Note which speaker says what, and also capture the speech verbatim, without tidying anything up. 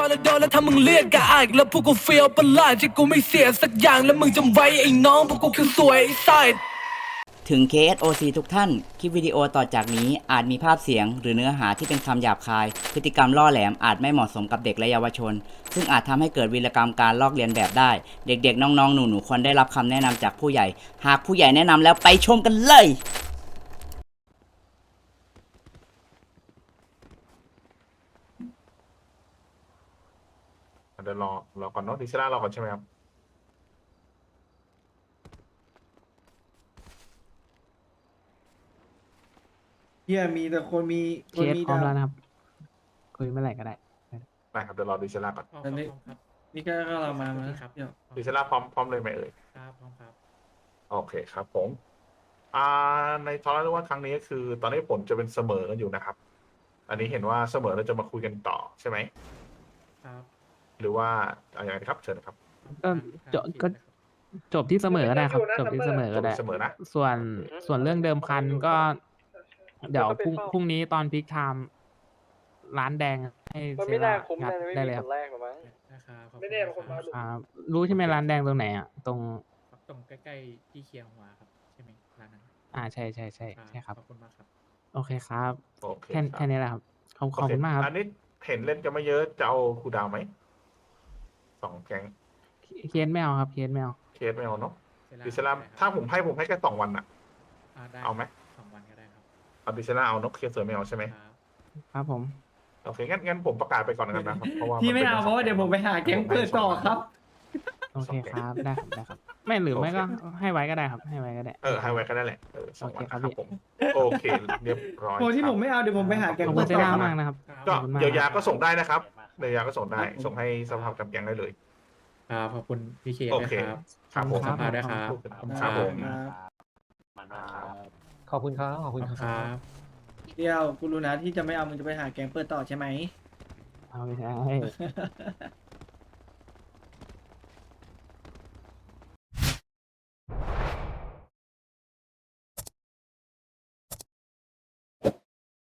Speaker 1: อนแล้วโดนแล้วถ้ามึงเรียกกะอายแล้วพวกกูเฟียวประหลาดที่กูไม่เสียสักอย่างแล้วมึงจำไว้ไอ้น้องพวกกูคือสวยไอ้ไซด์
Speaker 2: ถึง เค เอส โอ ซี ทุกท่าน คลิปวิดีโอต่อจากนี้อาจมีภาพเสียงหรือเนื้อหาที่เป็นคำหยาบคาย พฤติกรรมล่อแหลมอาจไม่เหมาะสมกับเด็กและเยาวชน ซึ่งอาจทำให้เกิดวีรกรรมการลอกเลียนแบบได้ เด็กๆ น้องๆ หนูๆ ควรได้รับคำแนะนำจากผู้ใหญ่ หากผู้ใหญ่แนะนำแล้วไปชมกันเลย
Speaker 3: เดี๋ยวรอรอก่อนเนาะดิซิล่ารอก่อนใช่ไหมครับ
Speaker 4: เฮียมีแต่คนมีค
Speaker 5: เคน ส
Speaker 4: มี
Speaker 5: พร้อม
Speaker 4: ดาว
Speaker 5: แล้วนะครับ คุยเมื่อไหร่ก็ได้
Speaker 3: ได้ครับเดี๋ยวรอดิซิล่าก่อน
Speaker 4: อันนี้นี่ก็ก็เรามามาครับเดี๋ยว
Speaker 3: ดิซิล่าพร้อมพร้อมเลยไหมเอ่ย
Speaker 4: ครับพร้อมครับ
Speaker 3: โอเคครับผมอ่าในทอร์นาเมนต์วันครั้งนี้ก็คือ ตอนนี้ผลจะเป็นเสมอกันอยู่นะครับ อันนี้เห็นว่าเสมอเราจะมาคุยกันต่อใช่ไหม
Speaker 4: ครับ
Speaker 3: หรือว่าอะไรอย่างไรครับเชิญนะครับ
Speaker 5: ก็จบก็จบที่เสมอก็ได้ครับ จบที่เสมอก็ได้
Speaker 3: จบที่เสมอนะ
Speaker 5: ส่วนส่วนเรื่องเดิมพันก็ เดี๋ยวพรุ่งพรุ่งนี้ตอนพิกไทม์ร้านแดงให้
Speaker 6: มัน
Speaker 5: เซ
Speaker 6: ไม่น่า
Speaker 5: รา
Speaker 6: คุ้ม
Speaker 5: งัด
Speaker 6: นะไม่
Speaker 5: ได้
Speaker 6: มี
Speaker 5: เลยค
Speaker 6: ครับ นแรกหรอมั้ง
Speaker 4: นะครับขอบ
Speaker 6: ไม่แน่บางคนมาหลุด
Speaker 5: ครับรู้ใช่ไหมร้านแดงตรงไหนอ่ะ ตรง
Speaker 4: ตรงใกล้ๆที่เคียงหัวครับใช่ไหมร้านนั้น
Speaker 5: อ่าใช่ใช่ใช่ใช่ครับ
Speaker 4: ขอบคุณมากครับ
Speaker 5: โอเคครับ
Speaker 3: โอเค
Speaker 5: แค่
Speaker 3: รับ
Speaker 5: แค่นี้แหละครับ ขอบขอบ
Speaker 3: โอเค
Speaker 5: คุณมากครับ
Speaker 3: อันนี้เห็นเล่นกันไม่เยอะจะเอาครูดาวไหมสองแก๊ง
Speaker 5: เคสไม่เอาครับ เคสไม่เอา
Speaker 3: เคสไม่เอาเนาะ
Speaker 4: เซรั่
Speaker 3: ดิซิล่า
Speaker 4: ได้ครับ
Speaker 3: ถ้าผมให้ผมให้แค่สองวันอะ
Speaker 4: อ่าได้
Speaker 3: เอาไหม
Speaker 4: สองวันก็ได้ครับ
Speaker 3: เอาดิซิล่าเอาเนกเคสเสือไม่เอาใช่ไหม
Speaker 4: ครับ
Speaker 5: ครับผม
Speaker 3: โอเคงั้นงั้นผมประกาศไปก่อนนะครับ เพราะว่า
Speaker 4: พี่ไม่
Speaker 3: นป็น
Speaker 4: เอาเพราะว่าเดี๋ยวผมไปหาแก๊งเปิดต่อครับ
Speaker 5: โอเคครับ ได้ครับได้ครับ ไม่หรือไม่ก็ให้ไว้ก็ได้ครับ ให้ไว้ก็ได้
Speaker 3: เออให้ไว้แค่นั้นแหละเออสองวัน
Speaker 5: โอเคครับ
Speaker 3: นะครับผมโอเคเรียบร้อย
Speaker 4: โอ้ที่
Speaker 3: ครับ
Speaker 4: ผมไม่เอาเดี๋ยวผมไปหาแก๊ง
Speaker 5: ขอบคุ
Speaker 4: เปิ
Speaker 5: ณ
Speaker 4: ด
Speaker 5: เซ
Speaker 4: ต่อ
Speaker 5: รา
Speaker 4: ครับ
Speaker 5: มากนะครับ
Speaker 3: ก็
Speaker 5: ขอบคุณมาก
Speaker 3: เยียวยา
Speaker 5: ครับ
Speaker 3: ก็ส่งได้นะครับเยียวยาก็ส่งได้ ส่งให้สภาพจำแกงได้เลย
Speaker 4: ครับขอบคุณพี่เค
Speaker 3: โอ
Speaker 4: นะ
Speaker 3: เค
Speaker 4: ครับ
Speaker 3: ครับผม
Speaker 4: สภาด้วยครับ
Speaker 3: ครับผม
Speaker 6: ขอบคุณครับ ขอบ
Speaker 4: ข
Speaker 6: คุ
Speaker 4: อบ
Speaker 6: ณ
Speaker 4: คุณ
Speaker 6: ค
Speaker 4: ค
Speaker 6: รั
Speaker 4: รับ บ
Speaker 7: เดียวกูรู้นะที่จะไม่เอามึงจะไปหาแกงเปิดต่อใช่ไหม
Speaker 5: เอาไม่ใช่